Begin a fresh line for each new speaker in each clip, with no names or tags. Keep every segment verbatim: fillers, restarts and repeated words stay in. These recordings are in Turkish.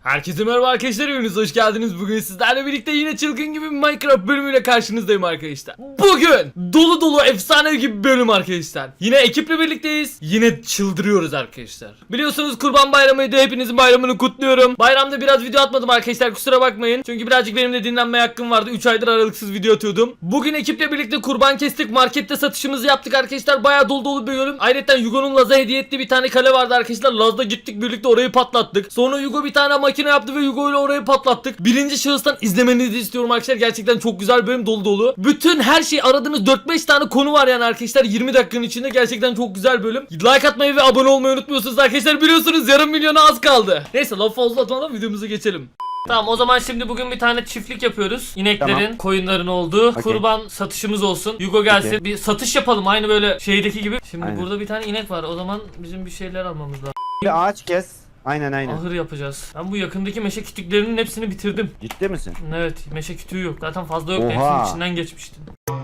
Herkese merhaba arkadaşlar, hepiniz hoş geldiniz. Bugün sizlerle birlikte yine çılgın gibi bir Minecraft bölümüyle karşınızdayım arkadaşlar. Bugün dolu dolu efsane gibi bir bölüm arkadaşlar. Yine ekiple birlikteyiz. Yine çıldırıyoruz arkadaşlar. Biliyorsunuz Kurban Bayramı'ydı, hepinizin bayramını kutluyorum. Bayramda biraz video atmadım arkadaşlar, kusura bakmayın. Çünkü birazcık benim de dinlenmeye hakkım vardı. üç aydır aralıksız video atıyordum. Bugün ekiple birlikte kurban kestik, markette satışımızı yaptık arkadaşlar. Bayağı dolu dolu bir bölüm. Ayrıca Yugo'nun Laz'a hediye ettiği bir tane kale vardı arkadaşlar. Laz'da gittik birlikte, orayı patlattık. Sonra Yugo bir tane makine yaptı ve Yugo ile orayı patlattık. Birinci şahıstan izlemenizi istiyorum arkadaşlar. Gerçekten çok güzel bir bölüm, dolu dolu. Bütün her şey aradığınız dört beş tane konu var yani arkadaşlar. yirmi dakikanın içinde gerçekten çok güzel bölüm. Like atmayı ve abone olmayı unutmuyorsunuz arkadaşlar. Biliyorsunuz yarım milyona az kaldı. Neyse laf fazla atmadan videomuza geçelim. Tamam, o zaman şimdi bugün bir tane çiftlik yapıyoruz. İneklerin, tamam, koyunların olduğu. Okay. Kurban satışımız olsun. Yugo gelsin. Okay. Bir satış yapalım aynı böyle şeydeki gibi. Şimdi aynen, burada bir tane inek var. O zaman bizim bir şeyler almamız lazım.
Bir ağaç kes. Aynen aynen.
Ahır yapacağız. Ben bu yakındaki meşe kütüklerinin hepsini bitirdim.
Ciddi misin?
Evet, meşe kütüğü yok. Zaten fazla yok.
Oha.
Hepsinin içinden geçmiştim.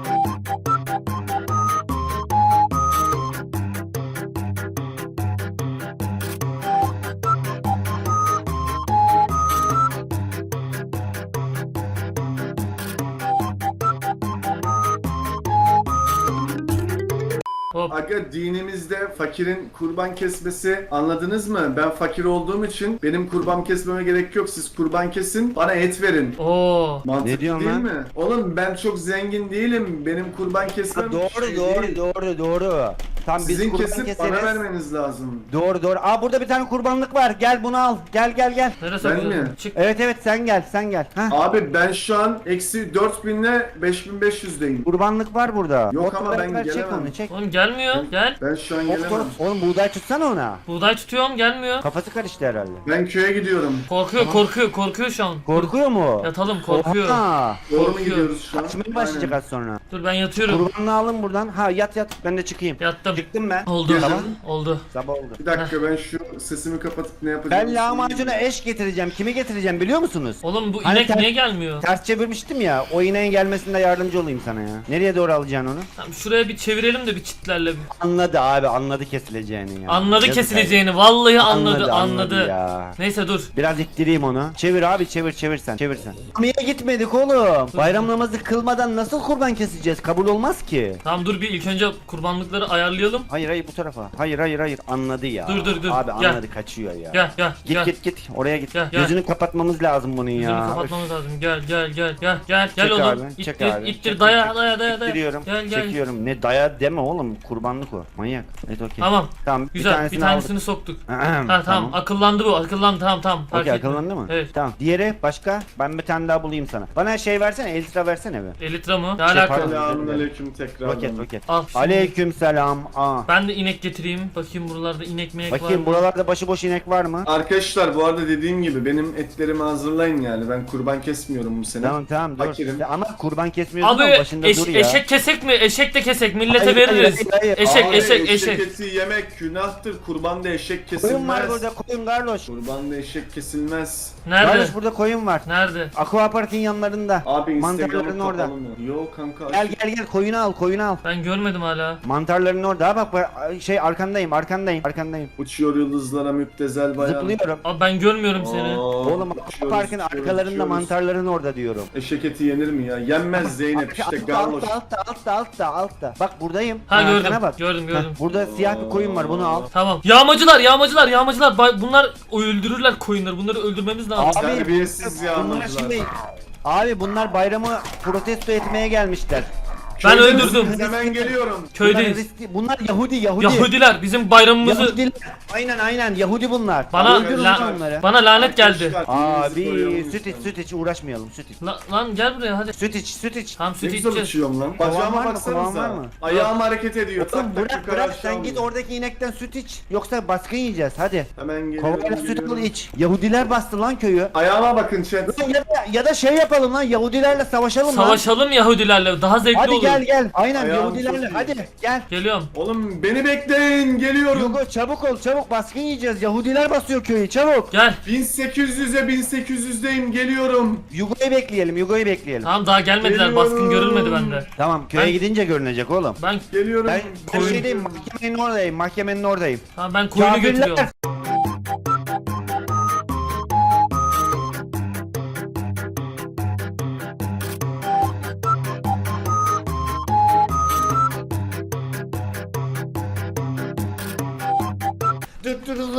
Hop. Aga, dinimizde fakirin kurban kesmesi, anladınız mı? Ben fakir olduğum için benim kurban kesmeme gerek yok. Siz kurban kesin, bana et verin.
Oo.
Mantıklı
ne diyorsun
değil
lan?
mi? Oğlum ben çok zengin değilim. Benim kurban kesmem
Ha, doğru
şey
doğru
değil.
doğru doğru. Tam
Sizin
biz kurban
kesip
keseriz.
bana vermeniz lazım.
Doğru doğru. Aa, burada bir tane kurbanlık var. Gel bunu al. Gel gel gel.
Neresi
Ben
bakıyorsun?
mi?
Çık.
Evet evet, sen gel sen gel. Hah.
Abi ben şu an eksi dört bin ile beş bin beş yüzdeyim.
Kurbanlık var burada.
Yok
Ot
ama ben
ver, çek
gelemem.
onu çek.
Oğlum gelmiyor. Gel.
Ben şu an
Ot,
gelemem.
ot. Oğlum buğday tutsana ona.
Buğday tutuyorum, gelmiyor.
Kafası karıştı herhalde.
Ben köye gidiyorum.
Korkuyor, korkuyor, korkuyor şu an.
Korkuyor mu?
Yatalım, korkuyor.
Oha.
Doğru mu
Korkuyor.
gidiyoruz şu an?
Kaçmaya başlayacak az sonra.
Dur ben yatıyorum.
Kurbanlığı alın buradan. Ha, yat yat. Ben de çıkayım.
Yattım.
Çıktım ben.
Oldu.
Tamam.
Oldu.
Sabah oldu.
Bir dakika, ben şu sesimi kapatıp ne yapacağım?
Ben lahmacuna eş getireceğim. Kimi getireceğim biliyor musunuz?
Oğlum bu
Hani
inek
ter-
niye gelmiyor?
Ters çevirmiştim ya. O ineğin gelmesinde yardımcı olayım sana ya. Nereye doğru alacaksın onu?
Tamam, şuraya bir çevirelim de bir çitlerle. bir-
Anladı abi, anladı kesileceğini ya.
Anladı
Yazık
kesileceğini. Vallahi anladı,
Anladı,
anladı.
anladı ya.
Neyse dur.
Biraz ittireyim onu. Çevir abi, çevir çevir sen. Çevir sen. Niye gitmedik oğlum? Bayram namazı kılmadan nasıl kurban keseceğiz? Kabul olmaz ki.
Tamam dur, bir ilk önce kurbanlıkları ayarlayalım.
Hayır hayır, bu tarafa. Hayır hayır hayır, anladı ya.
Dur, dur, dur.
Abi
Gel.
anladı, kaçıyor ya.
Gel gel
Git
gel.
git git oraya git.
Gel, gel.
Gözünü kapatmamız lazım bunun
Yüzünü
ya.
kapatmamız lazım. Gel gel gel gel gel gel
Çek
oğlum.
abi,
İttir,
çek abi.
ittir,
Çek,
daya
çek.
daya daya daya.
İttiriyorum.
Gel gel.
Çekiyorum. Ne daya deme oğlum, kurbanlık o. Manyak. Evet okey.
Tamam.
Tamam.
Güzel. Bir
tanesini
tanesini
aldık.
soktuk.
Ahem,
Ha tamam. Akıllandı bu. Akıllandı, tamam tamam. Fark
Okey,
ettim.
akıllandı mı?
Evet.
Tamam. Diğeri başka? Ben bir tane daha bulayım sana. Bana şey versene, elitra versene bir.
Elitra mı? Ne
Şey,
alaka?
pardon.
Selamünaleyküm tekrar.
Al.
Roket roket.
şimdi.
Aleyküm selam. Aa.
Ben de inek getireyim. Bakayım buralarda inek minek var
Bakayım
mı?
buralarda başıboş inek var mı?
Arkadaşlar bu arada dediğim gibi benim etlerimi hazırlayın yani. Ben kurban kesmiyorum bu sene.
Tamam tamam dur.
Fakirim.
Ama kurban kesmiyorsun
Abi
ama başında
eş-
dur ya.
eşek kesek mi? Eşek de kesek. Millete
Hayır, hayır,
veririz.
hayır, hayır.
Eşek
Abi,
eşek eşek.
eti yemek günahtır. Kurbanda eşek
Koyun
kesilmez.
var burada, koyun Garloş.
Kurbanda eşek kesilmez.
Nerede?
Garloş burada koyun var.
Nerede?
Aqua Park'ın yanlarında.
Abi
Mantarların
Instagram'ın
orada.
kapalı mı? Yok kanka.
Gel gel gel, koyunu al koyunu al.
Ben görmedim hala.
Mantarların orada. Ha bak bak, şey arkandayım arkandayım arkandayım.
Uçuyor yıldızlara müptezel bayan.
Zıplıyorum.
Abi ben görmüyorum seni.
Oo,
Oğlum Aqua
uçuyoruz,
Park'ın
uçuyoruz,
arkalarında
uçuyoruz.
mantarların orada diyorum.
Eşek eti yenir mi ya? Yenmez Zeynep işte
altta,
garloş.
altta altta altta altta altta. Bak buradayım.
Ha
Arkana
gördüm.
bak.
Gördüm gördüm.
Heh, burada siyah bir koyun var, bunu al.
Tamam. Yağmacılar, yağmacılar, yağmacılar. Bay- Bunlar öldürürler koyunları. Bunları öldürmemiz lazım.
Abi,
Terbiyesiz
bunlar
yağmacılar.
şimdi Abi bunlar bayramı protesto etmeye gelmişler.
Ben
Köyde
öldürdüm.
misiniz? Hemen geliyorum.
Köydeyiz.
Bunlar, riskli- bunlar Yahudi Yahudi.
Yahudiler bizim bayramımızı
Yahudiler. Aynen aynen Yahudi bunlar.
bana
Öldürün
la-
lan onları.
bana lanet geldi.
Arkadaşlar,
Abi
birinizi
süt iç
koruyalım
süt iç, uğraşmayalım süt iç.
La- lan gel buraya hadi.
Süt iç süt iç.
Tamam
Ne
süt
güzel
içeceğiz.
uçuyorum lan.
Kovan var
Bacağıma
mı? Kovan
baksanıza.
var mı?
Ayağım hareket ediyor.
Oğlum
Tak tak
bırak
yukarı
bırak,
aşağı
sen git
vuruyor.
oradaki inekten süt iç. Yoksa baskın yiyeceğiz hadi.
Hemen geliyorum.
Kovayla süt
geliyorum.
al iç. Yahudiler bastı lan köyü.
Ayağıma bakın chat.
Ya da, ya da şey yapalım lan, Yahudilerle savaşalım lan.
Savaşalım Yahudilerle. Daha zevkli
Hadi
olur.
gel gel. Aynen
Ayağım
Yahudilerle
çok iyi.
hadi gel.
Geliyorum.
Oğlum beni bekleyin, geliyorum.
Yugo çabuk ol çabuk, baskın yiyeceğiz. Yahudiler basıyor köyü, çabuk.
Gel.
bin sekiz yüze bin sekiz yüzdeyim, geliyorum.
Yugo'yu bekleyelim Yugo'yu bekleyelim.
Tamam daha gelmediler.
Geliyorum.
Baskın görülmedi bende.
Tamam köye
Ben-
gidince görünecek oğlum.
Ben
Geliyorum.
Ben, ben
Koyun-
şeydeyim, mahkemenin oradayım mahkemenin oradayım.
tamam ben koyunu
Kafirler.
götürüyorum.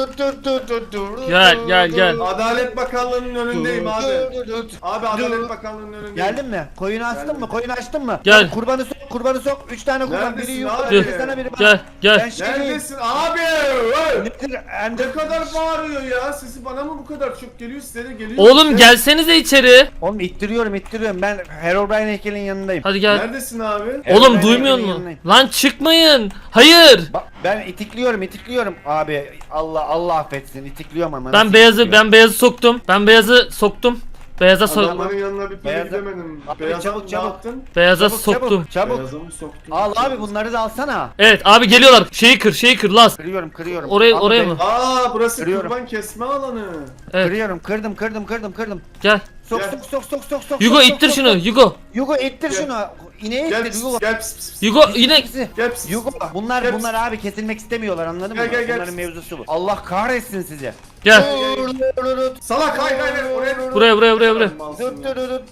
Gel gel gel.
Adalet Bakanlığı'nın önündeyim abi. Abi Adalet Bakanlığı'nın önündeyim.
Geldin mi? Koyunu açtın
Geldim.
mı? Koyunu açtın mı?
Gel.
Hadi kurbanı sok, kurbanı sok. Üç tane kurban.
Neredesin
Biri yukarı,
abi?
biri sana, biri bana.
Gel
Ben
gel.
şeyim.
Neredesin abi? Hey!
Nedir?
Ne
Ender...
kadar bağırıyor ya? Sesi bana mı bu kadar çok geliyor? Size de geliyor.
Oğlum
işte.
gelsenize içeri.
Oğlum ittiriyorum, ittiriyorum. Ben Herobrine heykelin yanındayım.
Hadi gel.
Neredesin abi?
Oğlum
Herobrine
duymuyor
heykelin
musun?
yanındayım.
Lan çıkmayın. Hayır.
Bak ben itikliyorum, itikliyorum. Abi Allah Allah affetsin. İtikliyorum ama.
Ben
nasıl
beyazı
itikliyorum?
ben beyazı soktum. Ben beyazı soktum. Beyaza sok.
Adamların yanına bir kere
Beyaza-
gidemedim.
Abi
Beyaza
çabuk,
ne
çabuk.
yaptın?
Beyaza
Çabuk,
soktum.
Çabuk, çabuk.
Beyaza mı soktun?
Al abi bunları da alsana.
Evet abi geliyorlar. Şeyi kır, şeyi kır Laz.
Kırıyorum, kırıyorum.
Oraya
Abi
oraya
ben-
mı?
Aa burası
Kırıyorum.
kurban kesme alanı.
Evet.
Kırıyorum, kırdım, kırdım, kırdım, kırdım.
Gel.
Sok
Gel.
sok sok sok sok sok.
Yugo
sok,
ittir
sok,
şunu.
sok.
Yugo.
Yugo ittir
Gel.
şunu. İneği
Gel
ittir
pis,
Yugo.
gel pis, pis, pis.
Yugo yine.
İkisi.
Gel pis.
Yugo bunlar
Gel.
bunlar abi kesilmek istemiyorlar anladın
Gel,
mı?
gel, gel.
Bunların mevzusu bu. Allah kahretsin sizi.
Gel.
Salak hayır hayır hayır, oraya.
Buraya buraya buraya buraya.
Malsın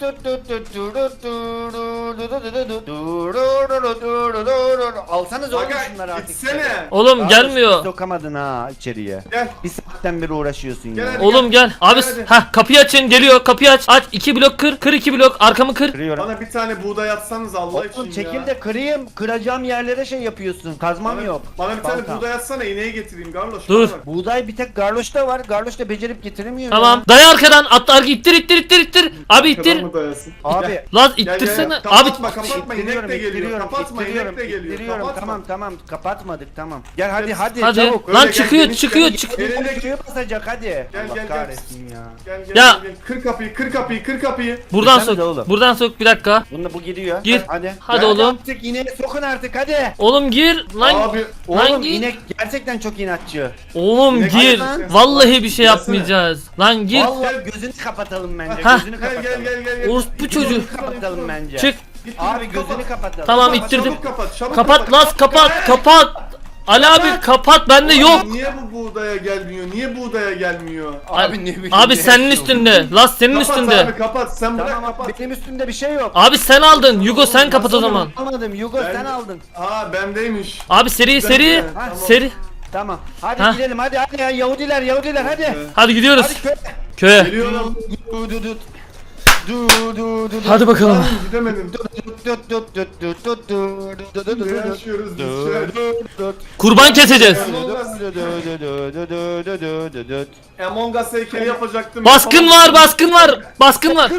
ya.
Alsanız oğlum
Aga
şunları artık.
gitsene.
Oğlum
Abi,
gelmiyor.
Sokamadın ha içeriye.
Gel.
Bir saatten beri uğraşıyorsun
Gel
ya.
hadi.
Oğlum gel. Abi
Hadi.
ha kapıyı açın. Geliyor. Kapıyı aç. Aç. iki blok kır. Kır iki blok. Arkamı kır.
Kırıyorum.
Bana bir tane buğday atsanız Allah için
Oğlum
ya.
çekil de kırayım. Kıracağım yerlere şey yapıyorsun. Kazmam
Bana,
yok.
bana bir tane
Baltam.
buğday atsana ineği getireyim Garloş.
Dur.
bana bak.
Buğday bir tek Garloş'ta var. Garloş da becerip getiremiyor.
Tamam.
ya.
Daya arkadan. At arka ittir ittir ittir ittir. Abi ittir.
Arkadan mı dayasın?
Abi.
Laz
Gel, gel,
ittirsene.
gel.
Abi
Kapatma kapatma inek de geliyor.
ittiriyorum,
Kapatma
ittiriyorum,
inek de geliyor.
ittiriyorum.
Kapatma.
Tamam tamam kapatmadık tamam. Gel hadi
Hadi.
hadi,
hadi.
çabuk.
Lan
Öyle gel,
çıkıyor
geniş
çıkıyor
gel.
çık.
Elinde-
Suyu basacak hadi.
Gel,
Allah
gel, gel.
kahretsin ya.
Gel gel
Ya.
gel, gel. Kır kapıyı kır kapıyı kır kapıyı.
Buradan
Gitsene de
sok.
oğlum.
Buradan sok bir dakika.
Bunda bu gidiyor.
Gir.
Hadi.
Hadi
Hadi
oğlum.
Artık ineği sokun artık hadi.
Oğlum gir. Lan.
Abi
Lan
Oğlum
gir.
inek gerçekten çok inatçı.
Oğlum
Ne
gir.
lan?
Vallahi bir şey
Gelsene.
yapmayacağız. Lan gir.
Vallahi gözünü kapatalım bence.
Ha.
Gözünü
gel
kapatalım.
gel gel gel. gel.
Orospu
Git,
çocuğu.
git,
Kapatalım
git,
bence.
Çık.
git,
Abi
git,
gözünü
kapat.
kapatalım.
Tamam,
Kapat,
ittirdim.
Çabuk kapat çabuk
Kapat Laz kapat kapat. Ali abi kapat bende yok.
Niye bu buğdaya gelmiyor? Niye buğdaya gelmiyor?
Abi ne bileyim.
Abi
ne
senin
yapıyorsun?
üstünde. Laz senin
Kapat
üstünde.
abi kapat sen bırak
Tamam
kapat.
abi benim üstümde bir şey yok.
Abi sen aldın. Yugo sen kapat o
Nasıl
zaman.
Almadım Yugo
Ben-
sen aldın.
Aa bendeymiş.
Abi seri seri.
Tamam.
Seri.
Tamam. Hadi
Ha.
gidelim hadi hadi ya Yahudiler Yahudiler hadi.
Evet.
Hadi gidiyoruz.
Hadi köy.
Köye.
Geliyorum.
Du du du. Du du du.
Hadi bakalım.
Lan gidemedim. Ne
Ne
yaşıyoruz biz şu an?
Kurban keseceğiz.
Among Us heykeli yapacaktım.
Baskın var baskın var. Baskın var.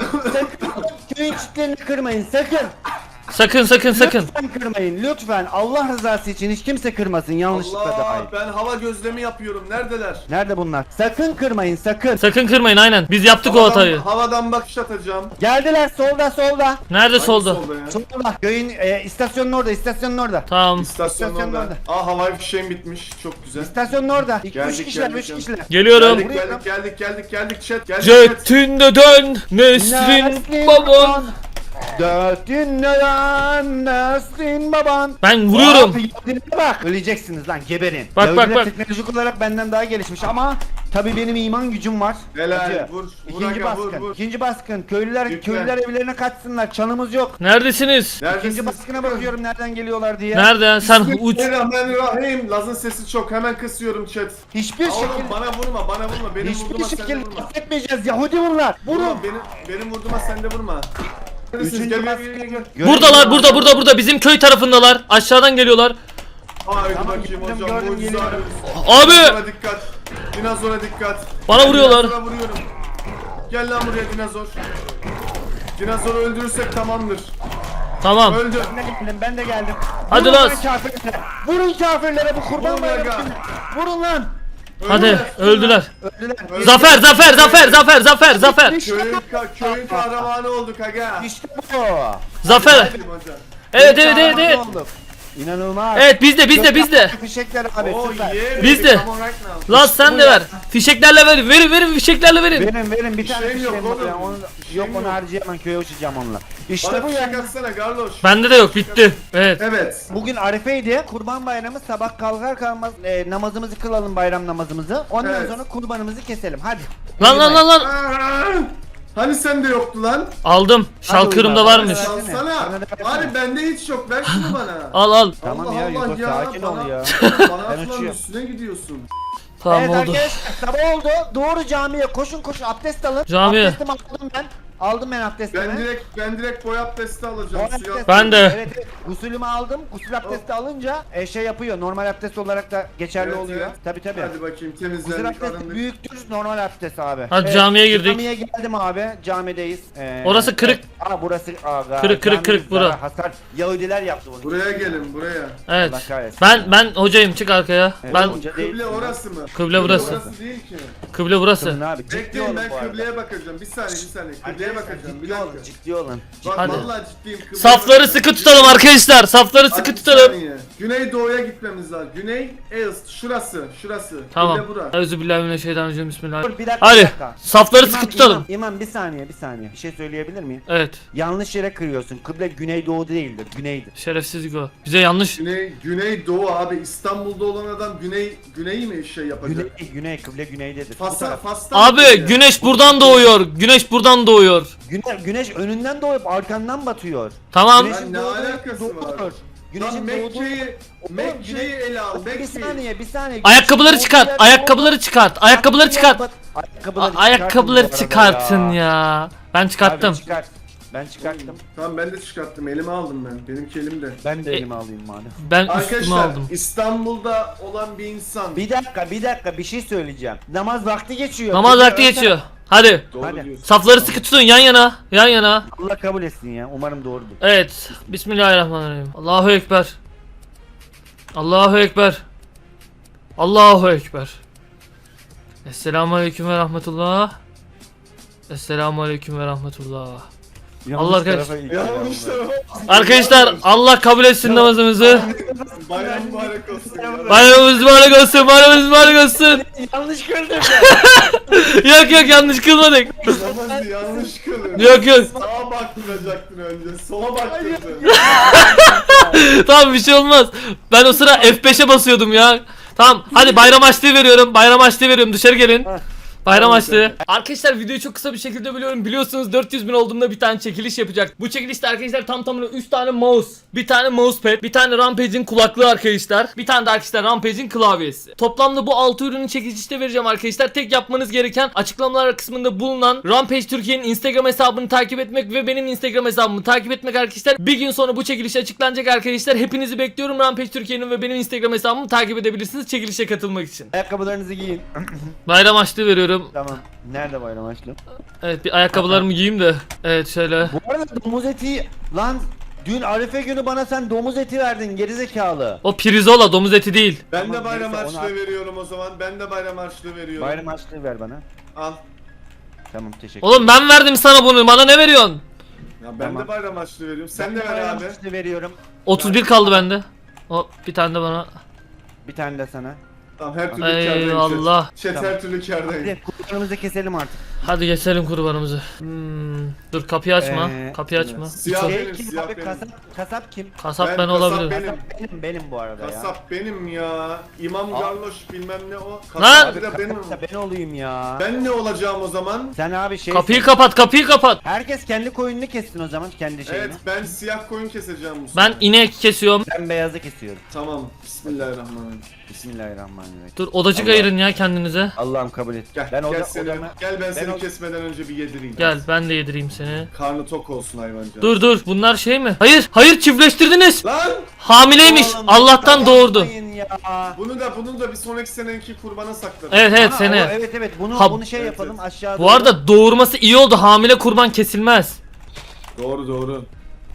Köyün çitlerini kırmayın sakın.
Sakın sakın sakın.
Lütfen kırmayın lütfen. Allah rızası için hiç kimse kırmasın yanlışlıkla dahil.
Allah ben hava gözlemi yapıyorum. Neredeler?
Nerede bunlar? Sakın kırmayın sakın.
Sakın kırmayın aynen. Biz yaptık o hatayı.
Havadan bakış atacağım.
Geldiler solda solda.
Nerede solda?
Hangi solda ya?
Solda. Köyün e, istasyonun orada istasyonun orada.
Tamam.
İstasyonun
İstasyonun
orada. Aa havai fişeğim bitmiş. Çok güzel.
İstasyonun orada. İki,
Geldik,
üç kişiler,
geldik,
üç
geldik.
kişiler.
Geliyorum.
Geldik geldik geldik geldik geldik chat. Geldik chat.
Jetinde dön Nesrin
Nesrin
baban.
Dörtün neden Nesrin baban.
Ben vuruyorum.
Abi, Yahudilere bak. Öleceksiniz lan geberin.
Bak,
Yahudiler
bak, bak.
teknolojik olarak benden daha gelişmiş ama tabi benim iman gücüm var.
Helal,
Hacı.
vur, vur
İkinci
aga, vur,
baskın.
vur.
İkinci baskın. Köylüler
Yükle.
köylüler evlerine kaçsınlar. Çanımız yok.
Neredesiniz?
İkinci
Neredesiniz?
baskına bakıyorum nereden geliyorlar diye.
Nerede? Sen uç.
Bismillahirrahmanirrahim. Laz'ın sesi çok. Hemen kısıyorum chat.
Hiçbir
Oğlum
şekilde
bana vurma, bana vurma. Benim
hiçbir
vurduğuma sen de
şekilde
vurma.
affetmeyeceğiz. Yahudi bunlar. Vurun.
Vurma, benim, benim vurduğuma sen de vurma. Neredesiniz?
Üçüncü
Gel gel gel gel.
baskın.
Buradalar burada burada burada. Bizim köy tarafındalar. Aşağıdan geliyorlar.
Haydi
Tamam,
bakayım
gördüm,
hocam.
gördüm,
Mucize
geliyorum.
arıyoruz.
Abi.
Dinozora dikkat. Dinozora dikkat.
Bana
Ben
vuruyorlar.
dinozora vuruyorum. Gel lan buraya dinozor. Dinozoru öldürürsek tamamdır.
Tamam.
Öldü.
Ben de geldim. Ben de geldim.
Hadi
Vurun
lan.
kafirlere. Vurun kafirlere bu kurban
Vurun
bayramı.
aga.
günü. Vurun lan.
Hadi öldüler.
Öldüler.
Öldü.
Zafer zafer zafer zafer zafer zafer.
İşte
Köyün,
bu.
ka köyün kahramanı olduk aga.
İşte bu.
Zafer.
Hadi hocam.
Evet evet evet evet.
Olduk. İnanılmaz.
Evet bizde bizde bizde.
Fişekler abi
Oh
süper.
yeah.
Biz
baby,
de.
come on right now.
Lan sen de ver. Fişeklerle ver. Verin verin fişeklerle verin.
Verin verin bir tane
şeyim yok
fişeğim var
oğlum.
ya. Onu,
Bir şeyim
yok onu
yok.
harcayamam köye uçacağım onunla. İşte
Bana
bu
fişek
ya.
atsana Garloş.
Bende de yok bitti. Evet.
Evet.
Bugün Arife'ydi. Kurban bayramı sabah kalkar kalmaz e, namazımızı kılalım bayram namazımızı. Ondan
Evet.
sonra kurbanımızı keselim. Hadi.
Lan lan lan lan.
Aa, Hani sende yoktu lan?
Aldım. Şalkırımda
oyna,
varmış.
bana versene.
Alsana.
Bana da versene.
Abi bende hiç yok. Ver şunu bana.
Al al.
Tamam
Allah
ya
Allah
Yugo
ya,
sakin
bana-
ol ya.
Bana
Ben
atılan
uçuyorum.
üstüne gidiyorsun.
Tamam
evet
oldu.
arkadaşlar sabah oldu. Doğru camiye koşun koşun abdest alın.
Camiye.
Abdestimi aldım ben. Aldım ben abdestimi.
Ben direkt ben direkt boy abdesti alacağım.
Boy
Suya
abdesti-
Ben de.
Evet, evet. Gusülümü aldım. Gusül abdesti alınca e, şey yapıyor. Normal abdest olarak da geçerli
Evet,
oluyor.
evet.
Tabi tabi.
Hadi bakayım
Gusül
temizlendik
abdesti
arındık.
büyüktür normal abdest abi.
Hadi camiye girdik.
Camiye geldim abi. Camideyiz. Ee,
Orası kırık.
evet. Aa burası aga.
Kırık, kırık,
camimiz
kırık bura.
zarar, Hasar. Yahudiler yaptı bunu.
Buraya gelin buraya.
Evet.
Allah kahretsin.
Ben ben hocayım, çık arkaya.
Evet,
Ben
hoca değilsin
Kıble
lan.
orası mı?
Kıble burası.
Orası değil ki.
kıble burası.
Kıblın abi. Ciddi
Bekleyin
olun
ben
bu arada.
kıbleye bakacağım. Bir saniye bir saniye. Kıbleye
Arkadaşlar,
bakacağım. Bir
Ciddi olun.
dakika.
Ciddi olun.
Bak
Hadi.
vallahi ciddiyim. Kıbleye
Safları
bakacağım.
sıkı tutalım arkadaşlar. Safları
Hadi
sıkı
bir
tutalım.
saniye. Güneydoğu'ya gitmemiz lazım. Güney East. Şurası. Şurası.
Tamam.
Kıble bura.
Euzubillahimineşşeytanirracim.
Dur
Bismillahirrahmanirrahim.
bir dakika. bir
Hadi.
dakika.
Safları
İmam,
sıkı tutalım.
İmam, İmam bir saniye bir saniye. Bir şey söyleyebilir miyim?
Evet.
Yanlış yere kırıyorsun. Kıble güneydoğu değildir. Güneydir.
Şerefsizlik o. Bize yanlış.
Güney Güneydoğu abi. İstanbul'da olan adam Güney Güney mi şey yapacak?
Güney, güney kıble güneydedir. Bu
Fas'a
taraf.
Fas'tan mı
Abi
geliyor?
güneş buradan doğuyor. Güneş buradan doğuyor.
Güne- güneş önünden doğup arkandan batıyor.
Tamam.
Güneşin
ne
doğduğu
alakası
doğudur.
var?
Güneşin
Lan
doğduğu...
Mekke'yi Mekke'yi ele al.
Bir
Mekke'yi.
saniye bir saniye.
Ayakkabıları
Güneşin
çıkart.
doğduğu yer
Ayakkabıları çıkart. Ayakkabıları
doğu-
çıkart.
Ayakkabıları,
A- Ayakkabıları
çıkartın bu arada
çıkartın ya. Ben çıkarttım.
Abi çıkart. Ben çıkarttım.
Tamam ben de çıkarttım. Elime aldım ben. Benimki elimde.
Ben de
E-
elime alayım madem.
Ben üstüme
Arkadaşlar
aldım.
İstanbul'da olan bir insan.
Bir dakika bir dakika bir şey söyleyeceğim. Namaz vakti geçiyor.
Namaz
Kıble
vakti
öte-
geçiyor. Hadi.
Doğru
Hadi.
diyorsun.
Safları sıkı tutun yan yana. Yan yana.
Allah kabul etsin ya. Umarım doğrudur.
Evet. Bismillahirrahmanirrahim. Allahu Ekber. Allahu Ekber. Allahu Ekber. Esselamu Aleyküm ve Rahmetullah. Esselamu Aleyküm ve Rahmetullah.
Yanlış
Allah
tarafa
kahretsin.
ilk adam
Yanlış
var.
tarafa.
Arkadaşlar Allah kabul etsin namazımızı.
Bayram mübarek olsun. ya.
Bayramımız mübarek olsun. Bayramımız mübarek olsun.
Yanlış gördüm.
Yok yok yanlış kılmadık.
Namazı yanlış kılın.
Yok yok.
Sağa baktıracaktın önce. Sola baktırdın.
Tamam bir şey olmaz. Ben o sıra F beşe basıyordum ya. Tamam hadi bayram açlığı veriyorum. Bayram açlığı veriyorum. Dışarı gelin. Bayram açlığı. Arkadaşlar videoyu çok kısa bir şekilde biliyorum. Biliyorsunuz dört yüz bin olduğumda bir tane çekiliş yapacak. Bu çekilişte arkadaşlar tam tamına üç tane mouse, bir tane mousepad, bir tane Rampage'in kulaklığı arkadaşlar. Bir tane de arkadaşlar Rampage'in klavyesi. Toplamda bu altı ürünü çekilişte vereceğim arkadaşlar. Tek yapmanız gereken açıklamalar kısmında bulunan Rampage Türkiye'nin Instagram hesabını takip etmek ve benim Instagram hesabımı takip etmek arkadaşlar. Bir gün sonra bu çekiliş açıklanacak arkadaşlar. Hepinizi bekliyorum. Rampage Türkiye'nin ve benim Instagram hesabımı takip edebilirsiniz çekilişe katılmak için.
Ayakkabılarınızı giyin.
Bayram açlığı veriyorum.
Tamam. Nerede bayram açlım?
Evet bir ayakkabılarımı giyeyim de. Evet şöyle.
Bu arada domuz eti lan dün Arife günü bana sen domuz eti verdin gerizekalı.
O pirzola domuz eti değil.
Ben de
Tamam,
bayram
neyse, onu
harçlığı
al.
veriyorum o zaman. Ben de bayram harçlığı veriyorum.
Bayram açlığı ver bana.
Al.
Tamam teşekkür
Oğlum ben verdim sana bunu. Bana ne veriyorsun?
Ya ben
Tamam.
de bayram harçlığı veriyorum. Sen
Ben
de ver
bayram
abi.
açlığı veriyorum.
otuz bir kaldı bende. O bir tane de bana.
Bir tane de sana.
Tamam her türlü
Eyvallah.
kârdayım. Chat
Tamam.
her türlü kârdayım.
Hadi kurbanımızı keselim artık.
Hadi geçelim kurbanımızı. Hmm, dur kapıyı açma.
Ee,
kapıyı açma.
Siyah
Şey
benim,
kim
siyah
abi
benim.
kasap, kasap kim?
Kasap
Ben
ben,
kasap
olabilirim.
benim.
Kasap benim benim bu arada ya.
Kasap benim ya. İmam
Al.
Garloş bilmem ne o.
Lan!
Kasap abi de benim.
Kasap da ben olayım ya.
Ben ne olacağım o zaman?
Sen abi şey.
Kapıyı kapat, kapıyı kapat.
Herkes kendi koyununu kessin o zaman kendi şeyini.
Evet ben siyah koyun keseceğim bu
Ben
sefer.
inek kesiyorum.
Ben beyazı kesiyorum.
Tamam. Bismillahirrahmanirrahim.
Bismillahirrahmanirrahim.
Dur odacık
Allah.
ayırın ya kendinize.
Allah'ım kabul et.
Gel,
ben
gel,
oda,
seni,
odama...
gel ben,
ben
seni
o-
kesmeden önce bir yedireyim.
Gel ben de yedireyim seni.
Karnı tok olsun hayvancağız.
Dur dur bunlar şey mi? Hayır hayır çiftleştirdiniz.
Lan!
Hamileymiş.
Oğlum,
Allah'tan doğurdu.
yapmayın ya.
Bunu da bunu da bir sonraki seneki kurbana saklarım.
Evet evet
Aa,
seni.
o- Evet evet bunu
Ha-
bunu şey
Evet,
yapalım
evet.
aşağı
Bu arada doğurması iyi oldu. Hamile kurban kesilmez.
Doğru doğru.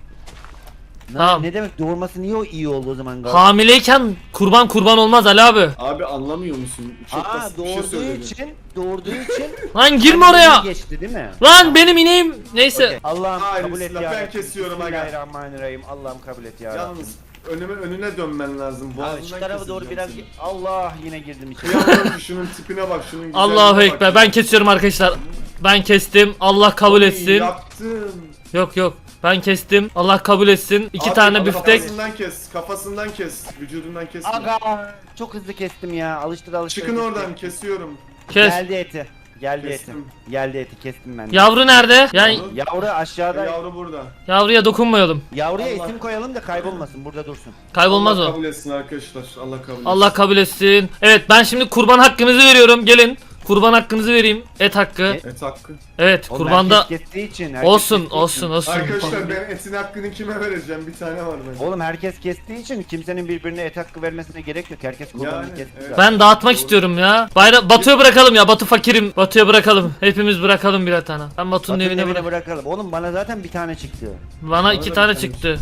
Ne,
Tamam.
ne demek doğurması niye o iyi oldu o zaman galiba?
Hamileyken kurban kurban olmaz Ali abi.
Abi anlamıyor musun? Çok
Aa
basit bir şey
doğurduğu
söyledim.
için doğurduğu için
Lan girme
hamileliği
oraya.
geçti değil mi?
Lan benim ineğim. Neyse.
Okey. Allah'ım
Hayır,
kabul et
bismillah,
ya.
ben
Rabbim.
kesiyorum aga.
Bismillahirrahmanirrahim. Allah'ım kabul et ya. Rabbim.
Yalnız önüme önüne dönmen lazım.
Abi
Boğazından
şu tarafa doğru biraz
keseceğim
Allah yine girdim içeri.
seni. Kıyamam ki şunun tipine bak, şunun güzelliğine
Allahu
bak.
ekber. Ben kesiyorum arkadaşlar. Ben kestim. Allah kabul
Oy,
etsin.
Yaptın.
Yok yok. Ben kestim. Allah kabul etsin. İki
Abi,
tane
abi,
biftek.
Kafasından kes, kafasından kes, vücudundan kesme.
Aga çok hızlı kestim ya. Alıştır alıştır.
Çıkın
alıştır.
oradan, kesiyorum.
Kes.
Geldi eti. Geldi eti.
Kestim.
Geldi eti kestim ben. de.
Yavru nerede? Yani
Yavru aşağıda.
Yavru burada.
yavruya dokunmayalım.
Yavruya
Allah.
isim koyalım da kaybolmasın. Burada dursun.
Kaybolmaz
Allah
o.
kabul etsin arkadaşlar. Allah kabul etsin.
Allah kabul etsin. Evet ben şimdi kurban hakkınızı veriyorum. Gelin. Kurban hakkınızı vereyim. Et hakkı.
Et.
Et hakkı.
Evet
Oğlum
kurbanda
herkes kestiği için. herkes
olsun
kestiği
olsun
için.
olsun.
Arkadaşlar ben etin hakkını kime vereceğim? Bir tane var benim.
Oğlum herkes kestiği için kimsenin birbirine et hakkı vermesine gerek yok. Herkes kurbanını
Yani,
kesti.
evet.
zaten.
Ben dağıtmak istiyorum ya. Bayra Batu'ya bırakalım ya. Batu fakirim. Batu'ya bırakalım. Hepimiz bırakalım birer tane. Ben Batu'nun
Batu'nun
evine
evine
bırak.
bırakalım. Oğlum bana zaten bir tane çıktı.
Bana
Bana
iki
da
tane
bir
çıktı.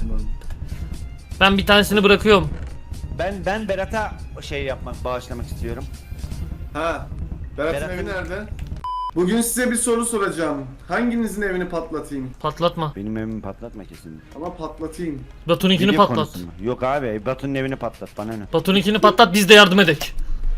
Ben bir tanesini bırakıyorum.
Ben ben Berat'a şey yapmak, bağışlamak istiyorum.
Ha. Berat'ın
Berat'ın-
evi nerede? Bugün size bir soru soracağım. Hanginizin evini patlatayım?
Patlatma.
Benim evimi patlatma kesin.
Ama patlatayım.
Batu'nunkini
Video
patlat.
konusu mu? Yok abi Batu'nun evini patlat bana ne?
Batu'nunkini patlat biz de yardım edek.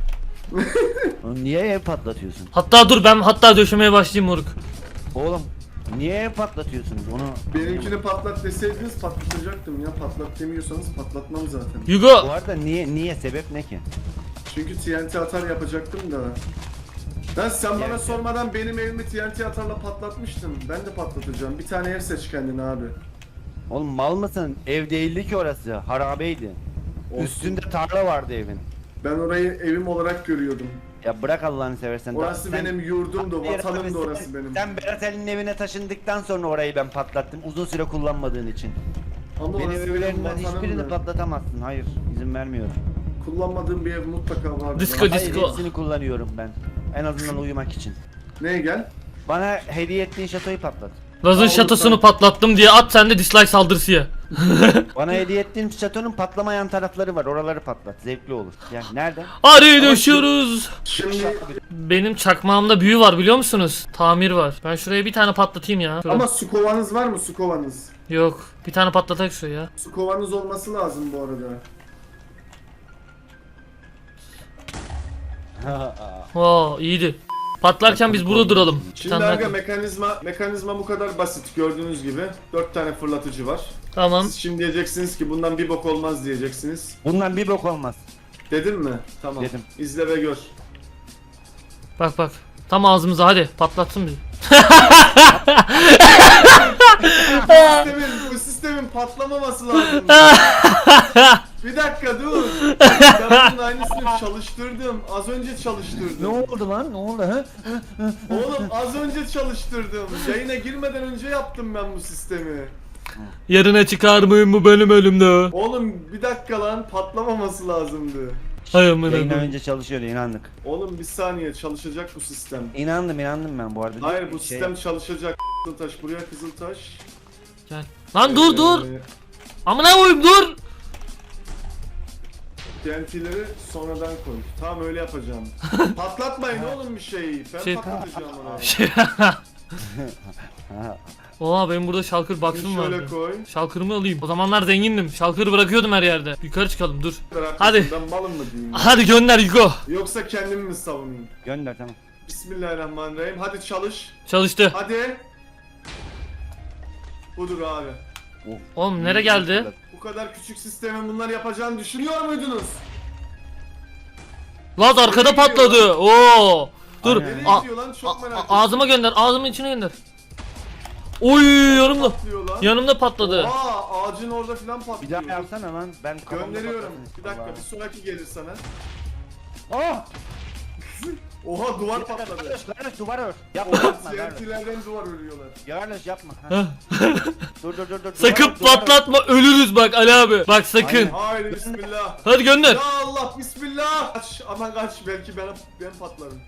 Oğlum niye ev patlatıyorsun?
Hatta dur ben hatta döşemeye başlayayım moruk.
Oğlum niye ev patlatıyorsunuz onu?
Benimkini patlat deseydiniz patlatacaktım ya. Patlat demiyorsanız patlatmam zaten.
Bu
Hugo
arada niye niye sebep ne ki?
Çünkü T N T atar yapacaktım da. Lan sen bana
Evet.
sormadan benim evimi T N T atarla patlatmıştın. Ben de patlatacağım. Bir tane ev seç kendine abi.
Oğlum mal mısın? Ev değildi ki orası. Harabeydi.
Olsun.
Üstünde tarla vardı evin.
Ben orayı evim olarak görüyordum.
Ya bırak Allah'ını seversen.
Orası
Sen-
benim yurdumdu,
Hayır,
vatanımdı
sen-
orası benim.
Sen Berat Ali'nin evine taşındıktan sonra orayı ben patlattım. Uzun süre kullanmadığın için.
Ama
Benim
orası benim
evlerimden hiçbirini
vatanımdı.
patlatamazsın. Hayır, izin vermiyorum.
Kullanmadığım bir ev mutlaka vardı.
Disco,
Hayır.
Hayır,
disco.
hepsini kullanıyorum ben. En azından uyumak için.
Neye gel?
Bana hediye ettiğin şatoyu patlat.
Laz'ın
Aa,
şatosunu
lütfen.
patlattım diye at sen de dislike saldırısı ya.
Bana hediye ettiğin şatonun patlamayan tarafları var. Oraları patlat. Zevkli olur. Yani nerede?
Arayı döşüyoruz.
Şimdi
Benim çakmağımda büyü var biliyor musunuz? Tamir var. Ben şuraya bir tane patlatayım ya. Şuraya.
ama su kovanız var mı su kovanız?
Yok. Bir tane patlatak şuraya.
Su kovanız olması lazım bu arada.
Oo iyiydi. Patlarken biz burada duralım.
Şimdi
Tamam,
aga
ben-
mekanizma mekanizma bu kadar basit gördüğünüz gibi. Dört tane fırlatıcı var.
Tamam.
Siz şimdi diyeceksiniz ki bundan bir bok olmaz diyeceksiniz.
Bundan bir bok olmaz.
Dedim mi? Tamam.
Dedim.
İzle ve gör.
Bak bak. Tam ağzımıza hadi patlatsın bizi.
bu, sistemin, bu sistemin patlamaması lazım. Bir dakika dur. Ben bunun aynısını çalıştırdım. Az önce çalıştırdım.
Ne oldu lan? Ne oldu ha?
Oğlum az önce çalıştırdım. Yayına girmeden önce yaptım ben bu sistemi.
Yarına çıkar mıyım bu benim elimde?
Oğlum bir dakika lan patlamaması lazımdı.
Hay amına
Yayından
koyayım.
önce çalışıyordu inandık.
Oğlum bir saniye çalışacak bu sistem.
İnandım inandım ben bu arada.
Hayır bu
Şey-
sistem çalışacak. Kızıltaş buraya Kızıltaş.
Gel. Lan dur dur.
Ee,
Amına koyayım dur.
T N T'leri sonradan koy. Tamam öyle yapacağım. Patlatmayın oğlum bir şeyi. Ben
Şey-
patlatacağım onu.
Ha,
Oha benim burada şalkır box'um
Şunu şöyle
vardı.
koy.
Şalkırımı alayım. O zamanlar zengindim. Şalkırı bırakıyordum her yerde. Yukarı çıkalım dur. Hadi.
Ben malım mı diyeyim?
Hadi gönder Hugo.
Yoksa kendimi mi savunayım?
gönder tamam.
Bismillahirrahmanirrahim. Hadi çalış.
Çalıştı.
Hadi. Budur abi.
Of.
Oğlum nereye geldi?
Bu kadar küçük sistemin bunları yapacağını düşünüyor muydunuz?
Laz arkada patladı. Oo. Dur.
Aynen.
Nereye
A-
gidiyor lan? Çok
a-
merak
a-
ettim.
ağzıma gönder. Ağzımın içine gönder. Oy yanımda.
Patlıyor lan.
Yanımda patladı.
Aa ağacın orada filan
Bir
patlıyor.
daha yapsana lan. Ben kafamda
Gönderiyorum.
patlatın.
Bir dakika
Allah.
bir sonraki gelir sana.
Oh!
Oha duvar
Garloş,
patladı.
garloş, garloş, duvar ör. Yapma
Oha
yapma garloş.
T N T'lerden duvar örüyorlar.
Garloş yapma. Ha.
Heh.
Dur dur dur dur.
Sakın
duvar ör, duvar ör.
patlatma ölürüz bak Ali abi. Bak sakın.
Aynen.
Haydi bismillah.
Hadi gönder.
Ya Allah bismillah. Kaç aman kaç belki ben ben patlarım.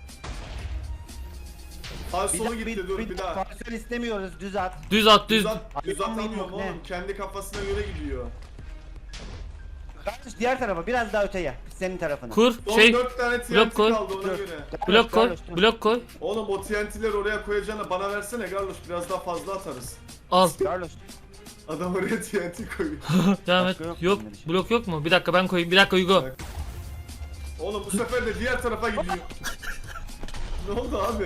Sağ
Bir
solu
daha-
gitti dur bir daha.
Parsel istemiyoruz düz at.
Düz at düz.
Düz at, düz
Ayağım
atamıyorum
yok, ne?
oğlum. Kendi kafasına göre gidiyor.
Garloş diğer tarafa biraz daha öteye. Senin tarafına.
Kur
Son
şey
dört tane T N
blok
T
koy.
kaldı ona
Dur.
göre.
Garloş,
blok koy.
garloş, dur.
Blok koy.
Oğlum o T N T'leri oraya koyacağına bana versene Garloş biraz daha fazla atarız.
Al.
Garloş.
Adam oraya T N T koyuyor.
Devam et.
Başka yok mu
Yok.
bende bir şey?
Blok yok mu? Bir dakika ben koyayım. Bir dakika Hugo.
Oğlum bu sefer de diğer tarafa gidiyor. Ne oldu abi?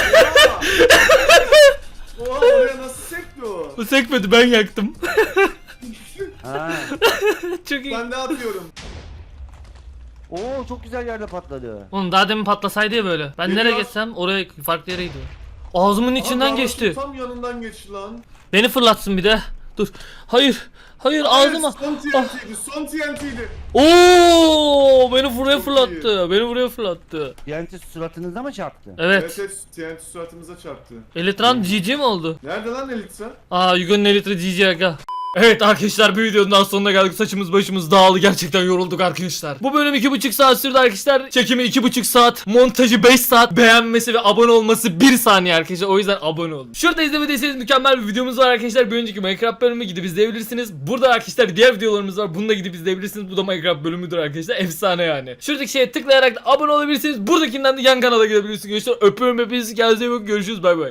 Oha! Oha oraya nasıl sekti o?
Bu sekmedi ben yaktım.
Ha.
Çok iyi.
Ben de atıyorum.
Oo çok güzel yerde patladı.
Oğlum daha demin patlasaydı ya böyle. Ben
Geliyor.
nereye geçsem oraya farklı yere gidiyor. Ağzımın içinden
Aa,
geçti.
Tam yanından geçti lan.
Beni fırlatsın bir de. Dur. Hayır. Hayır ağzıma.
Evet, son T N T'ydi, son T N T'ydi.
Oo, beni buraya
Çok
fırlattı. Beni buraya fırlattı.
Yani suratınızda mı çarptı?
Evet.
Evet, evet, T N T suratımıza çarptı.
Elitran G G mi oldu?
Nerede lan Elitra?
Aa, Yugo'nun Elitra G G aga. Evet arkadaşlar, bir videonun daha sonuna geldik. Saçımız başımız dağıldı, gerçekten yorulduk arkadaşlar. Bu bölüm iki buçuk saat sürdü arkadaşlar. Çekimi iki buçuk saat, montajı beş saat, beğenmesi ve abone olması bir saniye arkadaşlar. O yüzden abone olun. Şurada izlemediyseniz mükemmel bir videomuz var arkadaşlar. Bir önceki Minecraft bölümü gidip izleyebilirsiniz. Burada arkadaşlar diğer videolarımız var. Bunu da gidip izleyebilirsiniz. Bu da Minecraft bölümüdür arkadaşlar. Efsane yani. Şuradaki şeye tıklayarak da abone olabilirsiniz. Buradakinden de yan kanala gidebilirsiniz. Görüşürüz. Öpüyorum hepinizi. Kendinize iyi bakın. Görüşürüz. Bay bay.